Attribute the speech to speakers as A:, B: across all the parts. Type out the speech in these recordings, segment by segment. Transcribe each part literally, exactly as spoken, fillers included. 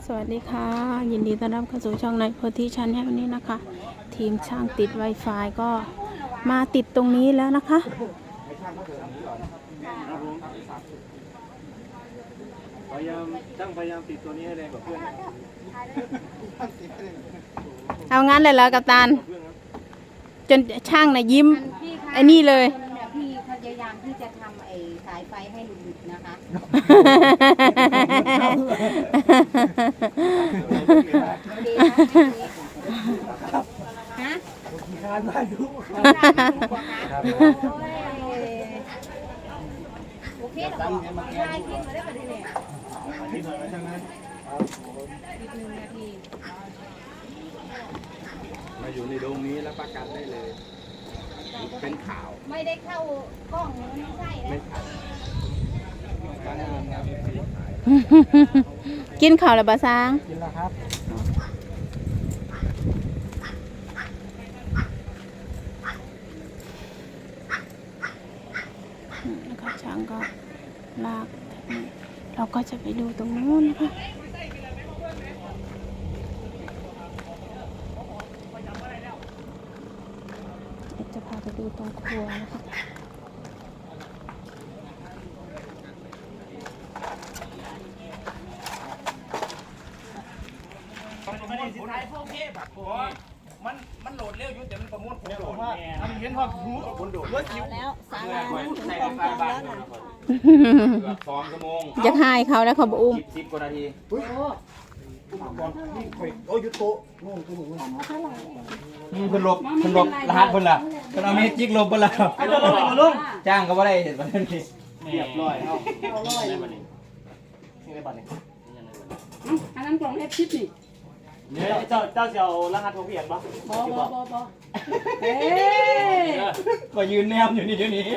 A: สวัสดีค่ะยินดีต้อนรับเข้าสู่ช่องในโพธิชันแนลวันนี้นะคะ ทีมช่างติด Wi-Fi ก็มาติดตรงนี้แล้วนะคะ
B: พยายามช่างพยายามติดตัวนี้ให้แรงกว่าเพื่อน
A: เอางั้นเลยเหรอกัปตันจนช่างน่ะยิ้มไอ้นี่เลย
C: พี่พยายามที่จะทำไอ้สายไฟให้หลุดๆนะคะฮะงานมาดูโอเคหรอได้กินมาได้ประเดี๋ยวอีกหนึ่งนาที
B: มาอยู่ในโดมนี้แล้วประกันได้เลยเป็นข่าว
C: ไม่ได้เข้ากล้องไม่ใช่นะ
A: กินข้าวแล้วบะซาง
B: กินแล้วครับ
A: แล้วก็ช่างก็ลากเราก็จะไปดูตรงนู้นนะคะจะพาไปดูตรงครัวนะคะ
B: มันมันโหลดเร็วอยู่แต่มันประมวลผลโหลดมันเห็นว่าหูคนโดดรถคิว
C: แล้วสามวันถึงกองกองแล้วนะ
B: เกือบสองชั่วโมง
A: จะให้เขาแล้วเขาบอกอุ้ม
B: สิบกว่านาทีโอ้ยยุโตโง่ตัวหนูมันเป็นลบเป็นลบรหัสคนละเป็นเอาเมจิกลบคนละจ้างก็ไม่ได้เห็นวันนี้เรียบร้อยเอาเอาร้อยนี่ในบัตรนี่
C: อันนั้นกล่องเอฟชิปนี่
B: เนี่ยเจ้าเจ้าจะเอารหัสโทรเพียนปะ
C: บอบอบอบอเฮ้
B: ยก็ยืนแนมอยู่นี่เดี๋ยวนี้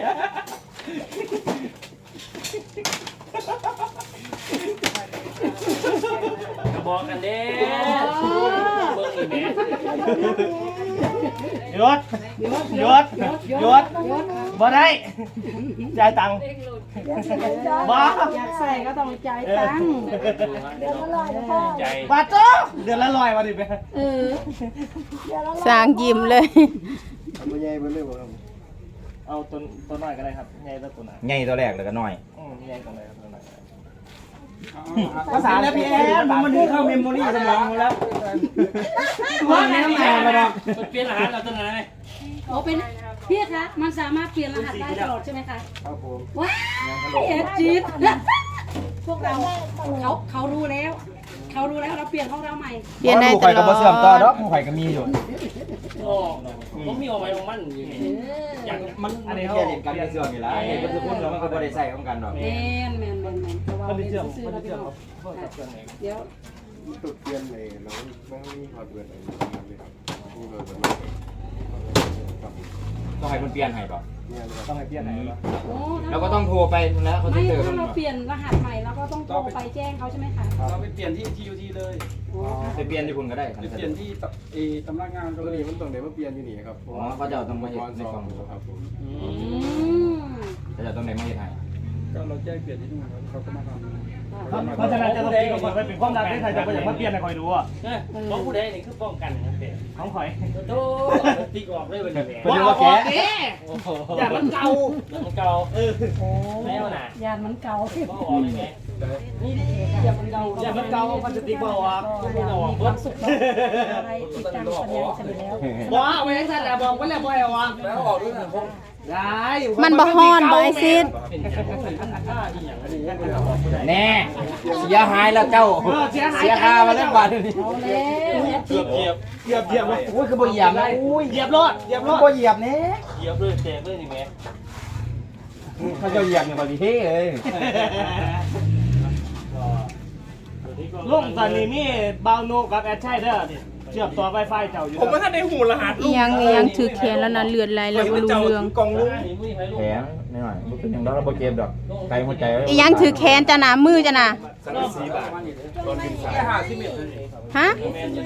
B: กระบอกกันเด้เบิ้งอีแม่ยศยศยศบ่ได้จ่ายตังค์บ้า
C: อยากใส่ก็ต้องจ่ายตังค์เดือนละร้อยพ่อบาท
B: โจ้เดือนละร้อยวันดิเบ้
C: เออ
A: สร้างยิ้มเลย
B: เอาใหญ่ไปเลยบ่ครับเอาตัวตัวน้อยก็ได้ครับใหญ่ตัวตัวไหน
D: ใหญ่ตัวแรกแล้วก็น้อย
B: อืมใหญ่ตัวไหนครับตัวไหนภาษาแล้วพี่แอนมันถึงเข้าเมมโมรี่สมองแล้วว่าแม่น้ำแข็งมาดอกเปลี่ยนรหัสเราตัวไหน
C: โอ้เป็นพี่คะมันสามารถเปลี่ยนรหัสได้ตลอดใช่ไหมคะ
B: ครับผม
C: ว้าวเอ็ดจีดพวกเราเขาเขารู้แล้วเขารู้แล้วเราเปลี่ยนของเราใหม่
A: เปลี่ยนได้ตลอด
D: ผู้ข่อยก็บ่เสื่อมต่อดอกผู้ข่อยก็มีอยู่
B: โอ้ผมมีเอาไว้ของมันอยู่นี่อย่างมัน
D: อันนี้แค่เล่นกันในเสื่อมนี่ล่ะเห็นเพิ่นทุกคนแล้วมันก็บ่ได้ใช้ของกันดอก
C: แม่นแม่นแม่นแม่นเพราะว่าเป็นซื้อแล้วพี่น้องเดี๋ยว
E: ตุดเปลี่ยนเลยแล้วไม่มีฮอดเวิร์ดอะไรเลยครับนี่เราจะครับ
D: ต้องให้เพิ่นเปลี่ยนให้บ่
E: เนี่ยเลย
B: ต้องให้เปลี่ยนไหนวะ
D: แล้วก็ต้องโทรไปแล้วเขาจะ
C: ไม่
D: เจอ
C: ถ้าเราเปลี่ยนรหัสใหม่เราก็ต้องโทรไปแจ้งเขาใช่ไหมคะ
B: เราไปเปลี่ยนที่ ที ยู ที เลย
D: ไปเปลี่ยนที่คุณก็ได้
E: ไปเปลี่ยนที่เอตำนักงานก็เลยมันต้องเดี๋ยวมาเปลี่ยนที่นี่ครับ
D: อ๋อเขาจะต้องมาเฮ็ดในกล่อง
E: ครับผม
D: เขาจะต้องได้มาเฮ็ดให้
E: ก็เราแจ้งเปลี่ยนที่นู่นเขาก็มาทำ
B: เพราะฉะนั้นจะต้องเปลี่ยนก่อนไปเป็นความรักที่ใครจะไปอย่างมาเปลี่ยนให้คอยดูอ่ะของผู้ใดนี่คือป้องกันนะเด็กของข่อยโตติ๊กออกเลยเป็นแบบ
D: บ่ว่าแก
B: อย่ามันเก่าอย่ามันเก่าเออแล้วน่ะ
C: ยานมันเก่า
B: บ่ออกเลยแกนี่ดิอย่ามันเก่าอย่ามันเก่ามันจะติ๊กบ่ออกไม่ออกเบิดสุด
C: อะไรติดตามสัญญาณเฉลี่ยแล้ว
B: ว้าไว้ท่านแล้วบอกไว้แล้วบ่ให้ออกแล้วออกด้วยนะผมได้
A: มันบ่ฮ้อนบ่ไอซิด
D: แน่เสียหายแล้วเจ้าเสียค่ามาแล้วบาทนี้
B: เกือบเหยียบเหยียบเหยียบ
D: โอ้ยคือบ่เหยียบนะ
B: โอ้ยเหยียบรอดเหยียบรอด
D: บ่เหยียบแน่
B: เหยียบเลยเตะเลยนี่แม่
D: เขาจะเหยียบเนี่ยบ่ดีเฮ้เลย
B: ลงตอนนี้มีบาวโนกับแอดชัยเด้อเชื่อมต่อ Wi-Fi เจ้าอยู่
E: ผมว่าถ้าในหูรหัส
A: อีหยังอีหยังถือแขนแล้วนะเลือดไหลแล้วบ่รู้เรื่อง
E: กองลุง
D: แผลนิดหน่อยบ่เป็นหยังดอกเราบ่เจ็บดอกไกลหัวใจ
A: อีหยังถือแขนจ้ะนะมือจ้ะนะ
E: สังกะสีบาทตอนกินสายห้าสิบเมตร
A: ฮะ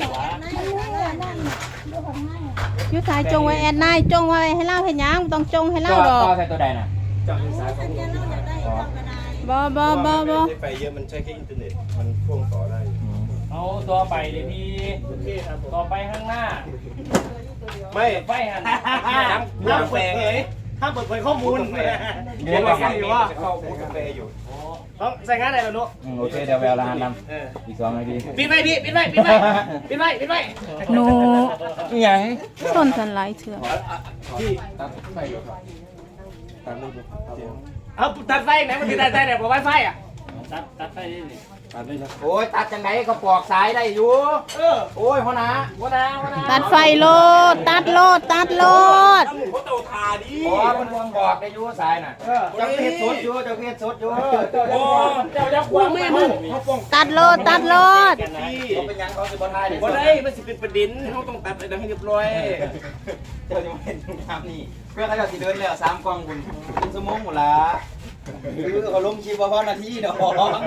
A: อยู่สายจงไว้แอดนายจงไว้ให้เล่าให้หยังต้องจงให้เล่าดอก
D: ต่อใส่ตัวใดน่ะ
E: จับสายของ
A: บ่บ่บ่บ่
E: ไปเยอะมันใช้แค่อินเทอร์เน็ตมันพ่วงต่อได้
B: อ๋อ
D: ต่อไปเลยพี่ต่อไปข้างหน้า
E: ไม่
D: ไฟหัน
E: ห้ามเปิดเผยห้ามเปิดเผยข้อมูล
B: เดี๋ยวเราอยู่ว่าเข้าพูดกาแฟอยู่
E: ต้องใส่งานอะไรล่ะนุ๊ก
B: โอเคเดี๋ยวแววรหัสนำอีกสองนาที
E: ปิดไว้พี่ปิดไว้ปิดไว้ปิดไว้ปิดไว้
A: หนู
B: ยัง
A: ต้นสันไลเถื่อ
E: เอาตัดไฟไหนมันติดตัดไฟไหนบอกไวไฟอ่ะ
D: ตัดตัดไฟนี่นี่
B: โอ้ยตัดจังไหนก็ปอกสายได้อยู่เออโอ้ยหัวหน้าหัวหน้าหัวหน้า
A: ตัดไฟโลด ตัดโลด ตัดโลด
B: โอ้ยมันวงบอกได้อยู่สายน่ะเจ้าเฮ็ดสดอยู่เจ้าเฮ็ดสดอยู่
D: โอ้เจ้าจะควงแม่มึง
A: ตัดโลด ตัดโลด
B: เขาเป็นยังเขาสิบ่ทายได้
E: บ่ได้มันสิเป็นประเด็นเขาต้องตัดอะไรให้เรียบร้อย
B: เจ้าจะมาเห็นตรงน้ำนี่เพื่อเขาจะสิเดินแล้วสามกล่องคุณเป็นชั่วโมงหมดละคือเขาลงคลิปว่าพอนาทีเนาะ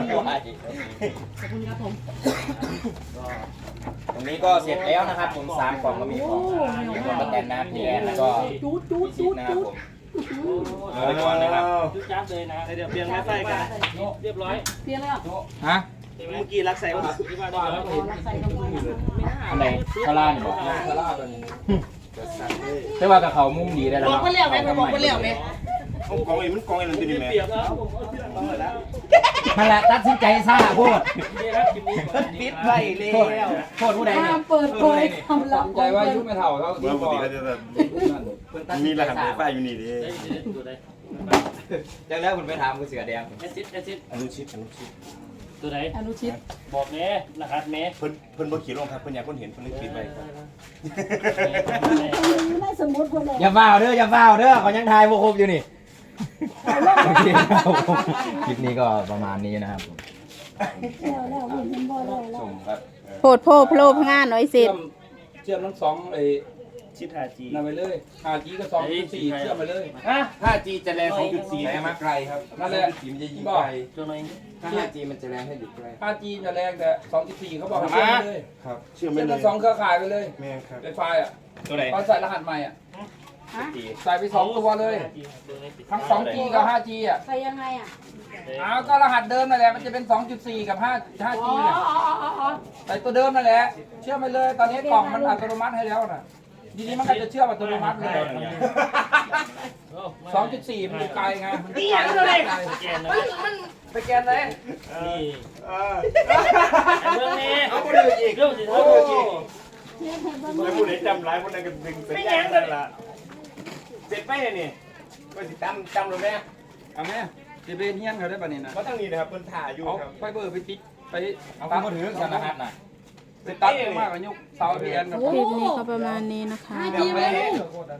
B: ตรงนี้ก็เสร็จแล้วนะครับผมสามกล่องก็มีของมีของประแตนน้ำแทนแล้วก็
C: จูดจูด
B: ชิ
C: จู
B: ด
C: ด
B: นะครับ
C: จูด
B: ผมเอาไว้ก่อนนะครับ
D: จุดจ้าเลยนะ
E: เดี๋ยวเปลี่ยนไวไฟกัน
D: เรียบร้อย
C: เปลี่ยนแล้ว
B: ฮะ
E: เมื่อกี้รักใส่ว่า
D: ที่บ้านแล้วเห็น
C: ใส่กระบอก
B: อันไหนข้างล่างนี่บอกข้างล่างตัวนี้แต่ว่ากับเขามุ่งดีได้แล้ว
E: บอก
B: เนาะ
E: ไปแล้วไหมบอกไปแล้วไหมกองไอ้มันกองไอ้นั่นติดไหม
D: เปรียบแล้ว
B: นั่นแหละตัดสินใจซ่าพูด
D: นี่ครับคลิปนี้
E: ปิดไฟแล้ว
B: โทษผู้ใดเนี่ย
C: ห้ามเปิดเผยความลับ
B: ใจว่ายุไม่เท่าเขาที่
E: ว่าป
B: บ
E: ก
B: อก
E: ติก็จะมีรหัสไวไฟอยู่นี่ดิ
D: ตัวใด
B: จากแล้วคุณไปถามคุณเสือแดง
D: แอซิดแอซิด
E: อนุชิตอนุชิต
D: ตัวใด
C: อนุชิต
D: บอกเมย์รหัสเมย์
E: เพิ่นเพิ่นบ่ขี่ลงครับเพิ่นอยากคนเห็นเพิ่นเลยปิดไว้
C: ไม่สมมติคนเลย
B: อย่าเฝ้าเด้ออย่าเฝ้าเด้อเขายังทายพวกครบอยู่นี่โอเคครับผมคลิปนี้ก็ประมาณนี้นะครับผม
C: แล้วแล้วเห็นบ่แล้วแล้ว
B: ชมครับ
A: โพดโพโพลพงานน้อยเสร็จ
F: เชื่อมทั้งสองไอ้
E: ชิด ห้าจี
F: นั่นไปเลยห้าจีก็สองจุดสี่เชื่อมไปเลย
E: ฮะ ห้าจี จะแรง สองจุดสี่
B: แรงมาไกลครับ
F: นั่นแหละ
B: สีมันจะยิงไกล
D: ตัวน้อย
B: ถ้า ห้าจี มันจะแรงให้หยุดไกล
F: ห้าจีจะแรงแต่สองจุดสี่เขาบอกให้เชื่อมไปเลย
E: ครับเชื่อ
F: เชื่
E: ไม่
F: อม
E: เล
F: ทั้
E: ย
F: งสองเครือข่ายไปเลย
E: แม่ครับ
F: ไฟไฟอ่ะ
E: ตัวไหน
F: ตอนใส่รหัสใหม่อ่ะใส่ไปสองตัวเลย ทั้งสองจีกับห้าจีอ่ะ
C: ใครยังไงอ่ะ
F: อ้าวก็รหัสเดิมนั่นแหละมันจะเป็นสองจุดสี่กับห้า ห้า
C: อ๋
F: จี
C: อ
F: เนี่ย
C: อ๋ออ๋ออ๋อ
F: ใส่ตัวเดิมนั่นแหละเชื่อมไปเลยตอนนี้กล่องมันอัตโนมัติให้แล้วน่ะทีนี้มันก็จะเชื่อมอัตโนมัติเลยสองจุดสี่มันอยู่ไกลไงมันอยู่ไกลเลย
D: แกนนะ
F: ไปแกนเลย
D: นี่เรื่องนี้
B: เอาไปเลยอีก
D: เรื่องสิ
F: โอ้
D: เรื่องสิ
E: แล้วผู้ใดจำร้ายผู้นั้นก็ดึงสัญญาณนั่นล่ะเสร็จไปนี่ก็สิจำจำเลยแม่
F: เอาไหมจะไปเฮี้ยนเขาได้ป่ะนี่นะ
E: เพราะทั้งนี้นะครับเพิ่นถ่ายอยู่
F: เอา
E: ครับ
F: ไฟเบอร์ไปติดไป
B: เอา
F: ตัด
B: มาถือกันรหัสน่ะ
F: ไปตัดมากกว่ายกเสาเทียนกับ
A: คลิปนี้ก็ประมาณนี้นะคะ
C: ห้าจีไว้ลูก